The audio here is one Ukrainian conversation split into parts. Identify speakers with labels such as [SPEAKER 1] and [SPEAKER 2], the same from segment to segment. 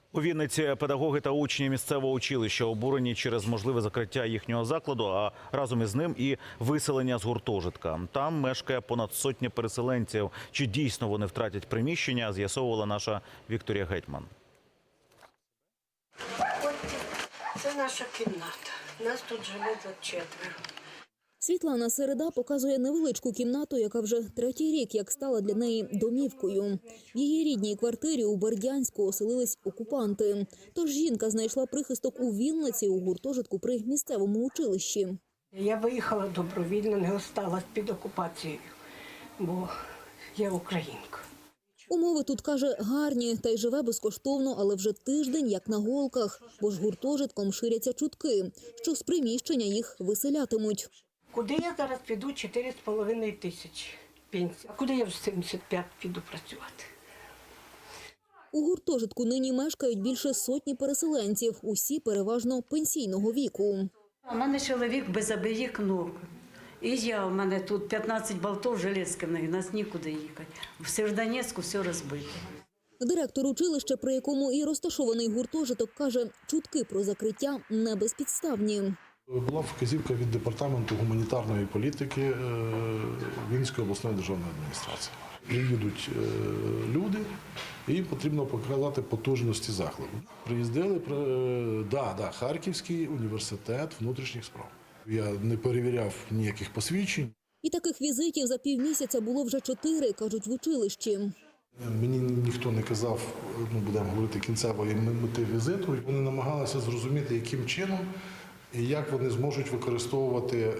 [SPEAKER 1] У Вінниці педагоги та учні місцевого училища обурені через можливе закриття їхнього закладу, а разом із ним і виселення з гуртожитка. Там мешкає понад сотня переселенців. Чи дійсно вони втратять приміщення, з'ясовувала наша Вікторія Гетьман.
[SPEAKER 2] Це наша кімната. Нас тут живе за 4.
[SPEAKER 3] Світлана Середа показує невеличку кімнату, яка вже третій рік як стала для неї домівкою. В її рідній квартирі у Бердянську оселились окупанти. Тож жінка знайшла прихисток у Вінниці у гуртожитку при місцевому училищі.
[SPEAKER 2] Я виїхала добровільно, не осталась під окупацією, бо я українка.
[SPEAKER 3] Умови тут, каже, гарні, та й живе безкоштовно, але вже тиждень як на голках, бо ж гуртожитком ширяться чутки, що з приміщення їх виселятимуть.
[SPEAKER 2] Куди я зараз піду? 4,5 тисячі пенсії. А куди я в 75 піду працювати?
[SPEAKER 3] У гуртожитку нині мешкають більше сотні переселенців, усі переважно пенсійного віку.
[SPEAKER 4] У мене чоловік без обеїх ног. І у мене тут 15 болтів железких, нас нікуди їхати. В Сєвєродонецьку все розбито.
[SPEAKER 3] Директор училища, при якому і розташований гуртожиток, каже, чутки про закриття не безпідставні.
[SPEAKER 5] Була вказівка від департаменту гуманітарної політики Вінницької обласної державної адміністрації. Приїдуть люди, і їм потрібно показати потужності закладу. Приїздили, Харківський університет внутрішніх справ. Я не перевіряв ніяких посвідчень.
[SPEAKER 3] І таких візитів за півмісяця було вже 4, кажуть в училищі.
[SPEAKER 5] Мені ніхто не казав, будемо говорити, кінцевої мети візиту. Вони намагалися зрозуміти, яким чином і як вони зможуть використовувати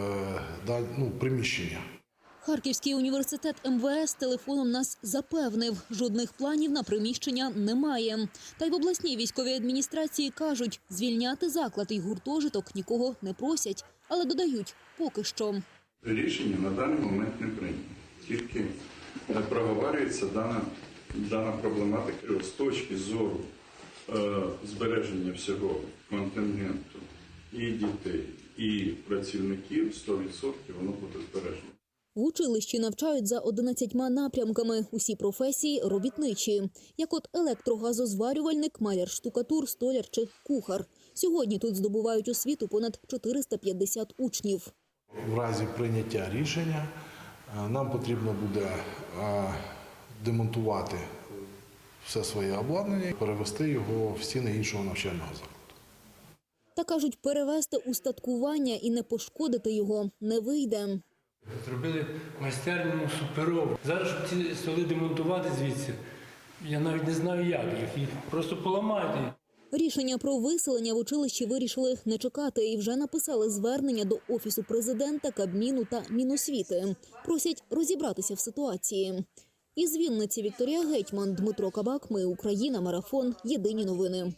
[SPEAKER 5] приміщення.
[SPEAKER 3] Харківський університет МВС телефоном нас запевнив, жодних планів на приміщення немає. Та й в обласній військовій адміністрації кажуть, звільняти заклад і гуртожиток нікого не просять, але додають – поки що.
[SPEAKER 6] Рішення на даний момент не прийнято. Тільки проговорюється дана проблематика з точки зору збереження всього контингенту і дітей, і працівників 100% воно буде збережено.
[SPEAKER 3] В училищі навчають за 11 напрямками. Усі професії – робітничі. Як от електрогазозварювальник, маляр-штукатур, столяр чи кухар. Сьогодні тут здобувають освіту понад 450 учнів.
[SPEAKER 5] В разі прийняття рішення нам потрібно буде демонтувати все своє обладнання і перевести його в стіни іншого навчального закладу.
[SPEAKER 3] Та кажуть, перевести устаткування і не пошкодити його не вийде.
[SPEAKER 7] Зробили майстерню суперову. Зараз, щоб ці столи демонтувати звідси, я навіть не знаю як їх просто поламають.
[SPEAKER 3] Рішення про виселення в училищі вирішили не чекати і вже написали звернення до Офісу президента, Кабміну та Міносвіти. Просять розібратися в ситуації. Із Вінниці Вікторія Гетьман, Дмитро Кабак. Ми Україна. Марафон. Єдині новини.